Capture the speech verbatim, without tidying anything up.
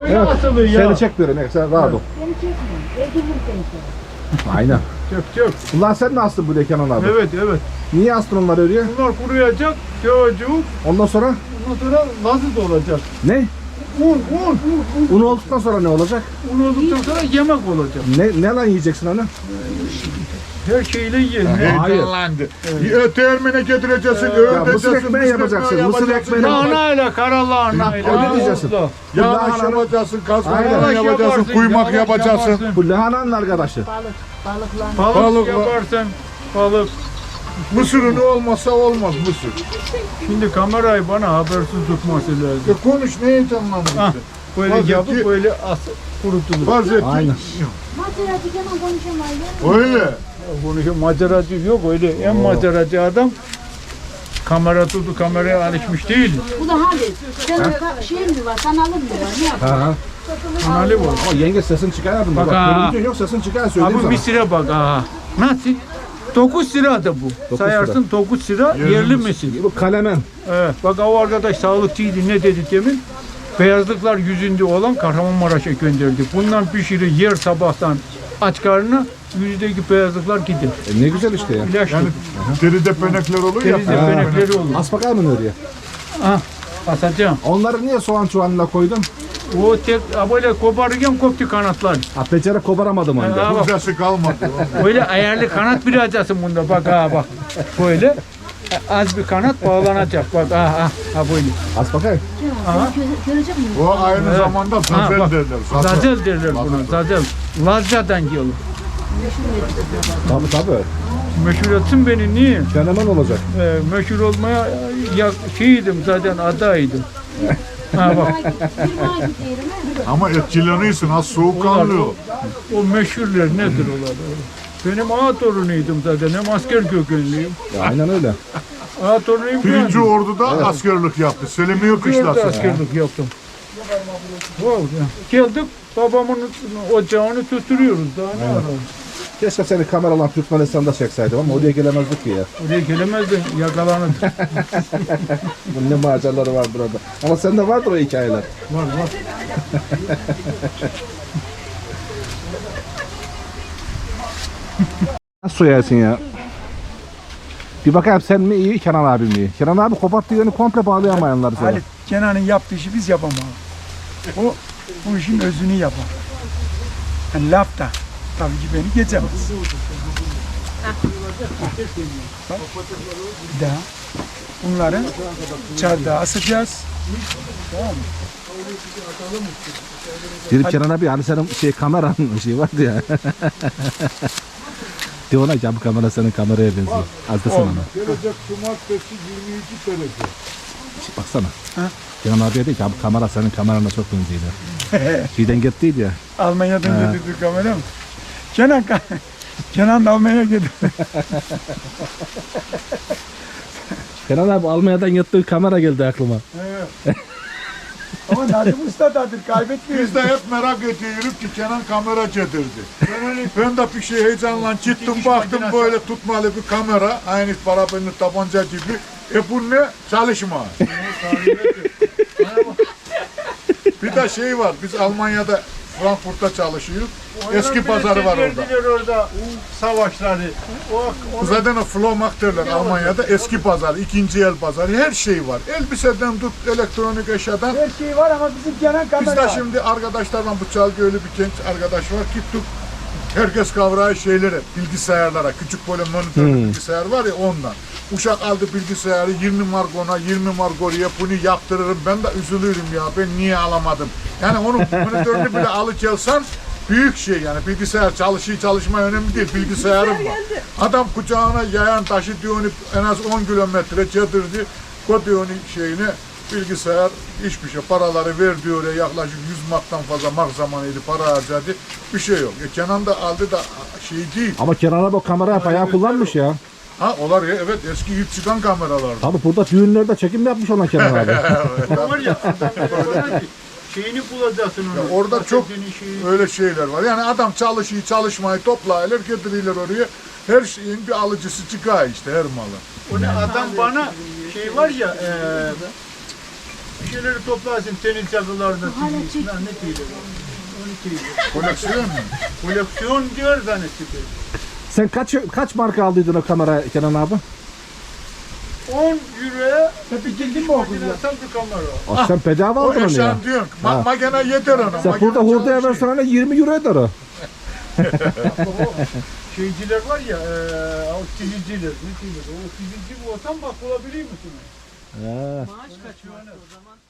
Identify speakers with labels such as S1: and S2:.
S1: Evet.
S2: Asılı ya.
S1: Seni çek böyle. Ne? Sen rahat ol.
S3: Beni çekmeyin. Öldürürüm seni sonra.
S1: Aynen.
S2: Çök çök.
S1: Ulan sen mi astın buraya Kenan abi?
S2: Evet evet.
S1: Niye astın onları oraya?
S2: Bunlar kuruyacak. Çocuk.
S1: Ondan sonra
S2: Ondan sonra lazı olacak.
S1: ne?
S2: Un un.
S1: Un olduktan sonra ne olacak?
S2: Un olduktan sonra yemek olacak.
S1: Ne, ne lan yiyeceksin onu?
S2: Her şeyle ye.
S1: Hayır.
S4: Heyecanlandı. Evet. Termine getireceksin,
S1: Ya
S4: öğreteceksin.
S1: mısır ekmeği yapacaksın. Mısır ekmeğini
S2: Lahanayla, kara lahanayla.
S1: Öyle diyeceksin.
S4: Yağlaş
S1: Lahana-
S4: yapacaksın,
S1: Aynen.
S4: kaskarona yapacaksın, kuymak yapacaksın.
S1: Bu lahananın arkadaşı.
S3: Balık. Balıklar.
S2: Balık,
S4: Balık var.
S2: yaparsın. Balık.
S4: Mısırın olmasa olmaz mısır.
S2: Şimdi kamerayı bana habersiz tutması lazım.
S4: E konuş, ne heyecanlandın
S2: Ah,
S4: işte.
S2: böyle
S4: Vaziyeti-
S2: yapıp böyle as kurutulur.
S4: Vaziyeti.
S1: Aynen.
S3: Maceracı Kemal konuşamayız.
S4: Öyle.
S2: Konuşuyor, maceracı yok öyle. En maceracı adam kamera tuttu, kameraya alışmış değil.
S3: Bu da hadi. Senin ka- şeyin mi var? Kanalın mı var? Ne yapıyorsun?
S1: Ha ha.
S2: Kanalı var.
S1: O yenge sesin çıkarmadın mı?
S2: Bak
S1: Bak,
S2: ha.
S1: görüntün yok sesin çıkar söyleyeyim
S2: Abi
S1: sana.
S2: misire bak aha. Nasıl? dokuz lira da bu.
S1: Dokuz
S2: Sayarsın dokuz lira
S4: Yerli
S2: yerli
S4: misir.
S2: misir.
S1: Bu kalemen.
S2: Evet. Bak o arkadaş sağlıkçıydı, ne dedi demin? Beyazlıklar yüzünde olan Kahramanmaraş'a gönderdi. Bundan pişirir yer sabahtan aç karnına, yüzdeki beyazlıklar gider.
S1: E, ne güzel işte ya.
S2: İlaç
S4: Yani deride penekler olur ya.
S2: Denizde penekleri olur.
S1: As bakar mı oraya?
S2: Ah, asacağım.
S1: Onları niye soğan çuvalına koydun?
S2: O tek böyle koparırken koptu kanatlar.
S1: Ha peçere koparamadım onu.
S2: Ha, bak,
S4: Kuzesi kalmadı.
S2: böyle ayarlı kanat bir açasın bunda, bak ha bak. Böyle az bir kanat bağlanacak, bak ha ha ha böyle.
S1: As bakayım.
S2: Aha.
S3: Gö- Görecek miyim?
S4: O aynı
S2: Evet.
S4: zamanda
S2: Ha,
S4: zazel
S2: bak,
S4: derler. Zazel.
S2: Zazel derler buna, zazel. Lazca'dan geliyor.
S1: Tabii tabii.
S2: Meşhur etsin beni, niye?
S1: Fenomen olacak.
S2: Ee, meşhur olmaya ya, şeydim zaten, adaydım. Ha bak,
S3: Bir ay gidiyorum.
S4: Ama etkileniyorsun, az soğukkanlı o.
S2: o meşhurlar nedir olar? Benim ağa torunuydum zaten, hem asker kökenliyim.
S1: Ya, aynen öyle.
S2: Ağa torunuyum.
S4: Birinci orduda askerlik yaptı. Selimiye
S2: Orada
S4: kışlası.
S2: askerlik yaptım. Wow, ya. Geldik, babamın ocağını tutturuyoruz, daha ne ararız?
S1: Keşke seni kameralan Türkmenistan'da çekseydim ama oraya gelemezdik ki ya.
S2: Oraya gelemezdi, yakalanırdı.
S1: Bunun ne maceraları var burada. Ama sende vardır o hikayeler.
S2: Var var.
S1: Nasıl soyarsın ya? Bir bakayım sen mi iyi, Kenan abi mi iyi? Kenan abi koparttığı yönü komple bağlayamayanlar sana.
S5: Halit, Kenan'ın yaptığı işi biz yapamayız. O bu işin özünü yapar. Yani laf da tabii ki beni geçemez. Bak, bir daha bunları çardağa asacağız.
S1: Dedim Kenan abi hani senin şey kameranın şey vardı ya. De ona ya bu kamera senin kameraya benziyor. Az da sana.
S4: Gelecek cumartesi yirmi iki derece.
S1: Baksana.
S5: Ha?
S1: Kenan abiye dedi ki abi kamera senin kamerana çok benziyor. Şeyden gittiydi ya.
S5: Almanya'dan
S1: Ha.
S5: getirdi kamera mı? Kenan, Kenan da Almanya'ya gidiyor.
S1: Kenan abi Almanya'dan yattığı kamera geldi aklıma.
S5: Ama Nazım Usta'dadır, kaybetmiyor.
S4: Biz de hep merak ediyoruz ki Kenan kamera getirdi. Ben de bir şey heyecanla gittim baktım böyle tutmalı bir kamera. Aynı parabenli tabanca gibi. E bu ne? Çalışma. Bir de şey var, biz Almanya'da Frankfurt'ta çalışıyoruz. Eski pazarı var orada.
S2: Çevirdiler orada savaşları. O, o
S4: Zaten o Flohmarkt derler Almanya'da eski pazar, ikinci el pazarı, her şey var. Elbiseden tut, elektronik eşyadan.
S5: Her şey var ama bizim Kenan kamera.
S4: Biz de şimdi arkadaşlarla bu Çalgıölü bir genç arkadaş var, gittik. Herkes kavrağı şeylere, bilgisayarlara, küçük böyle monitörlü bilgisayar var ya ondan. Uşak aldı bilgisayarı yirmi mark ona, yirmi mark oraya, bunu yaptırırım. Ben de üzülürüm ya, ben niye alamadım? Yani onu monitörünü bile alıkelsen büyük şey yani, bilgisayar çalışıyor çalışma önemli değil, bilgisayarım var. Adam kucağına yayan taşı diyor en az on kilometre çadırdı, koydu onu şeyine, bilgisayar hiçbir şey, paraları verdi oraya, yaklaşık yüz marktan fazla mark zamanıydı, para harcadı, bir şey yok. E Kenan da aldı da şey değil.
S1: Ama Kenan abi o kamerayı bayağı kullanmış ya.
S4: Ha olar ya, evet, eski ilk çıkan kameralardı.
S1: Abi burada düğünlerde çekim yapmış ona Kenan abi.
S2: var ya, adam şeyini bulacaksın onu.
S4: Ya orada çok
S2: Patatesini, şeyi.
S4: öyle şeyler var. Yani adam çalışıyor, çalışmayı toplayırlar, getirirler oraya. Her şeyin bir alıcısı çıkıyor işte, her malı.
S2: O ne adam bana şey var ya, e, bir şeyleri toplarsın tenis çakılarda. Ne diyorlar? Onu diyorlar.
S4: Koleksiyon mu?
S2: Koleksiyon diyor zannettim.
S1: Sen kaç kaç marka aldıydın o kamera Kenan abi?
S2: on euroya
S5: Hep bitirdin mi okulu ya?
S2: Nasıl bir kamera?
S1: Ah, sen bedava
S4: O
S1: aldın onu ya.
S4: yaşam diyorsun. Ma makine yeter ona.
S1: Sen burada hurdaya versen hani yirmi euro eder o.
S2: Şeyciler var ya, eee o çiziciler, ne diyorlar? O çizici bu olsam bak bulabilir misin?
S1: He.
S3: Maaş kaç var o zaman?